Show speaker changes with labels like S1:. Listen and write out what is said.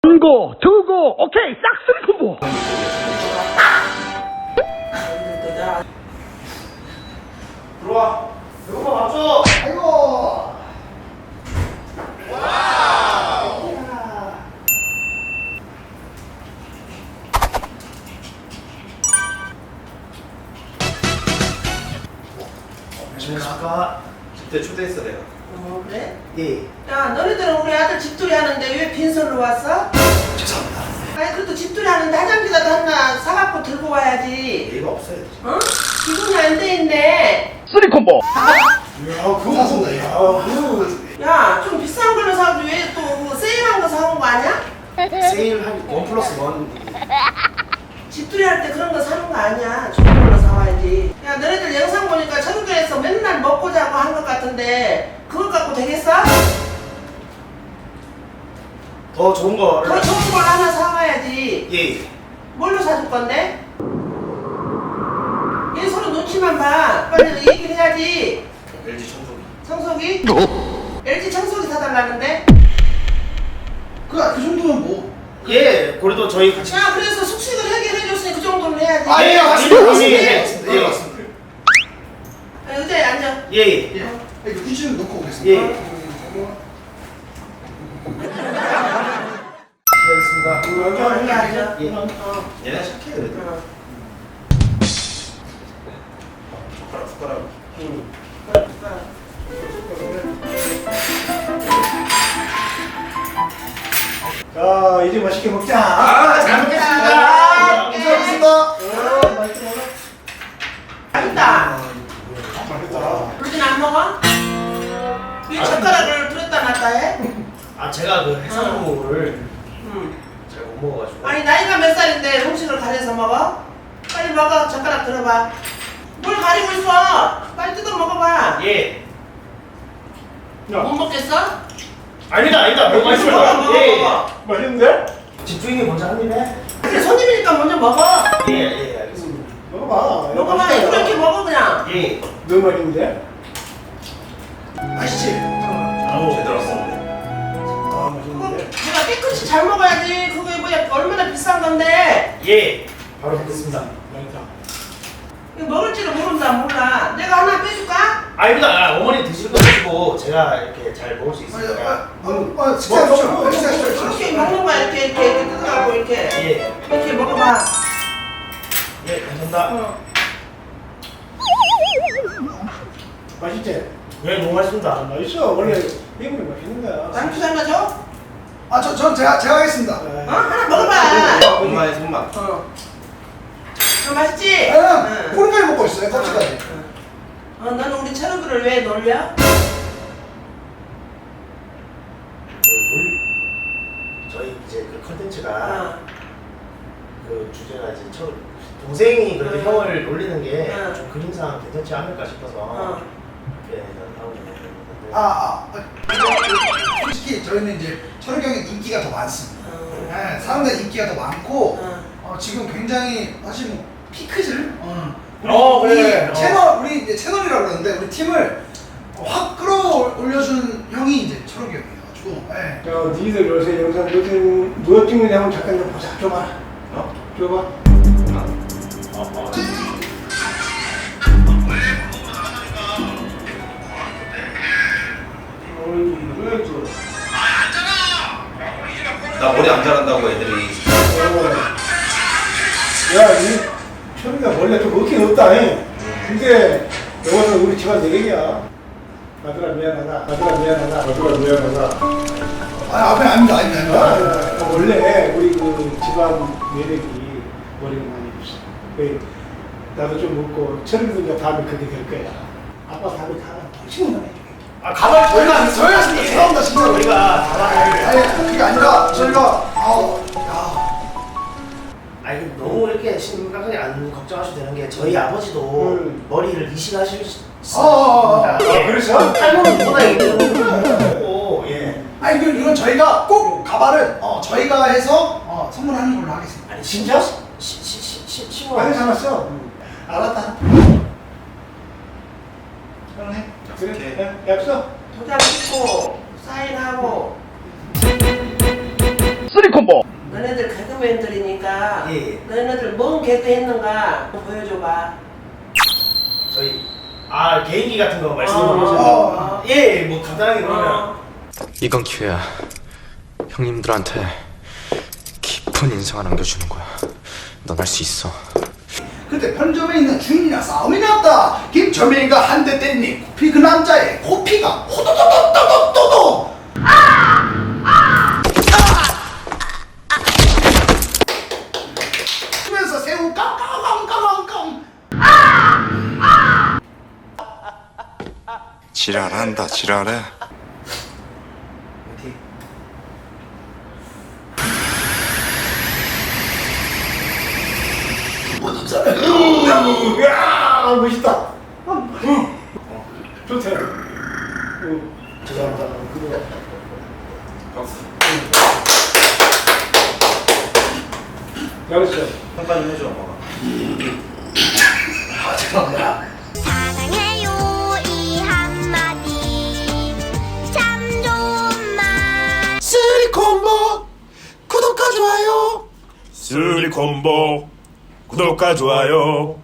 S1: 고, 두고, 오케이, 싹쓸이 콤보.
S2: 들어와. 배고파 밥 줘.
S3: 아이고.
S2: 와우. 안녕하십니까. 집대 초대했어 내가.
S3: 그래?
S2: 예.
S3: 야, 너희들은 우리 아들 집들이 하는데 왜 빈손으로 왔어?
S2: 죄송합니다.
S3: 아니, 그래도 집들이 하는데 화장지라도 하나 사갖고 들고 와야지.
S2: 예의가 없어요.
S3: 어? 기분이 안 돼 있네.
S1: 쓰리 콤보.
S2: 야, 그거
S3: 사준다,
S2: 야.
S3: 야, 좀 비싼 걸로 사고 왜 또 세일한 거 사온 거 아니야?
S2: 세일 한 1+1.
S3: 집들이 할 때 그런 거 사는 거 아니야. 좋은 걸로 사와야지. 야, 너희들 영상 보니까 철교에서 맨날 먹고 자고 한 것 같은데 그것 갖고 되겠어?
S2: 더 좋은 거.
S3: 더 좋은 걸 하나 사와야지.
S2: 예.
S3: 뭘로 사줄 건데? 얘 서로 눈치만 봐. 빨리 얘기를 해야지.
S2: LG 청소기.
S3: 청소기? LG 청소기 사달라는데?
S4: 그 정도면 뭐?
S2: 예. 그래도 저희 같이.
S3: 야, 그래서 숙식을 해결해줬으니 그 정도는 해야지.
S4: 아, 예,
S2: 맞습니다.
S4: 맞습니다.
S2: 예,
S4: 맞습니다.
S2: 예.
S4: 맞습니다.
S3: 아, 의자에 앉아.
S2: 예. 예.
S4: 예. 이거 휴지를 넣고 오겠습니다.
S2: 예. 알겠습니다.
S3: 여기 앉아.
S2: 예.
S3: 어.
S2: 얘네 착해 그래도.
S3: 어.
S2: 숟가락.
S5: 자, 이제 맛있게 먹자.
S2: 잘
S3: 먹겠습니다.
S4: 감사합니다.
S5: 맛있게 먹어.
S3: 맛있다.
S5: 맛있다.
S3: 루진 안 먹어? 왜 젓가락을 들었다 놨다 해?
S2: 제가 그 해산물을
S3: 응.
S2: 잘 못 먹어가지고.
S3: 아니, 나이가 몇 살인데 음식을 가려서 먹어? 빨리 먹어. 젓가락 들어봐. 뭘 가리고 있어? 빨리 뜯어 먹어봐.
S2: 예.
S3: 못 먹겠어?
S2: 아니다. 뭐
S3: 먹어, 먹어,
S2: 예.
S3: 먹어.
S5: 맛있는데?
S2: 집주인이 먼저 한 입에.
S3: 그래, 손님이니까 먼저 먹어.
S2: 예, 알겠습니다.
S5: 먹어봐.
S3: 먹어봐.
S5: 맛있다.
S3: 이렇게 먹어 그냥.
S2: 예.
S5: 너무 맛있는데?
S4: 맛있지?
S2: 제대로 왔었는데.
S5: 아,
S3: 그거
S5: 맛있는데?
S3: 내가 깨끗이 잘 먹어야지. 그게 뭐야, 얼마나 비싼 건데.
S2: 예. 바로 뵙겠습니다.
S5: 맛있다.
S3: 이거 먹을지를 모른다, 몰라. 내가 하나 빼줄까?
S2: 아닙니다. 어머니 드실 거 드시고 제가 이렇게 잘 먹을 수 있으니까.
S4: 식사하십시오.
S3: 이렇게 먹는 거야. 이렇게 뜯어갖고 이렇게.
S2: 예.
S3: 이렇게 먹어봐.
S2: 예, 감사합니다.
S5: 맛있지?
S2: 예, 너무
S5: 아,
S2: 맛있습니다.
S5: 맛있어. 원래 이분이 맛있는 거야.
S3: 남주 하나 줘?
S4: 전 제가 하겠습니다.
S3: 어? 하나 먹어봐.
S2: 엄마의 손맛.
S3: 어. 맛있지?
S4: 응. 뿌리까지 먹고 있어요. 껍질까지.
S3: 너는 우리 철우들을 왜 놀려?
S2: 저희 이제 그 컨텐츠가
S3: 어.
S2: 그 주제가 이제 동생이 그래도
S3: 응.
S2: 형을 놀리는 게
S3: 응.
S2: 좀 그림상 괜찮지 않을까 싶어서
S3: 어.
S2: 이렇게 하고 있는데.
S4: 솔직히 저희는 이제 철욱이 형의 인기가 더 많습니다.
S3: 어.
S4: 네, 사람들 인기가 더 많고
S3: 어.
S4: 지금 굉장히 사실 뭐 피크질.
S2: 그래.
S4: 우리 이제 채널이라고 그러는데 우리 팀을 확 끌어올려준 형이 이제 철욱이 형이어가지고. 네.
S5: 자, 니들 요새 영상 누가 찍느냐 한번 잠깐 좀 보자. 줘봐. 줘봐.
S6: 나 머리 안 자란다고 애들이.
S5: 야, 이 철이가 원래 좀 없긴 없다. 근데 이거는 우리 집안 내 얘기야. 아들아 미안하다. 아들아 미안하다. 아들아 미안하다.
S4: 앞에 아닙니다.
S5: 원래 우리 그 집안 매력이 머리가 많이 없어. 나도 좀 먹고 철이도 이제 다음에 그렇게 될 거야. 아빠 다음에 가라. 신경 안 해줄게.
S2: 가만
S4: 저희가 죄송합니다 진짜.
S2: 우리가
S4: 아니 그게 아니라 저희가
S2: 아니 너무 이렇게 심각하게 안 걱정하셔도 되는 게 저희 아버지도 머리를 이식하실 수 있습니다.
S5: 그래서?
S2: 탈모는 누구나 얘기하고 예.
S4: 아니 이건 저희가 꼭 가발은 저희가 해서 선물하는 걸로 하겠습니다.
S2: 아니 진짜? 시원.
S5: 많이 잡았어.
S4: 알았다.
S5: 그러네.
S6: 약속해.
S5: 그래. 약속.
S3: 도장 찍고 사인하고.
S1: 쓰리 쓰리콤보.
S3: 너네들 개그맨들이니까
S2: 예.
S3: 너네들 뭔 개그 했는가 보여줘봐.
S2: 저희 개인기 같은 거 말씀해
S3: 어.
S2: 주셔서 예, 뭐 간단하게 그러면
S7: 이건 기회야. 형님들한테 깊은 인상을 남겨주는 거야. 넌 할 수 있어.
S4: 그때 편점에 있는 주인이랑 싸움이 났다. 김철민이가 한 대 때리니 코피 그 남자의 코피가 호도도도도도도. 하면서 새우 깡깡깡깡깡.
S8: 지랄한다 지랄해.
S5: 야 멋있다. 좋다.
S2: 죄송합니다.
S5: 잘했어.
S6: 평가 좀 해줘 엄마가.
S2: 죄송합니다.
S9: 사랑해요 이 한마디 참 좋은 말.
S4: 쓰리콤보 구독과 좋아요.
S8: 쓰리콤보 구독과 좋아요.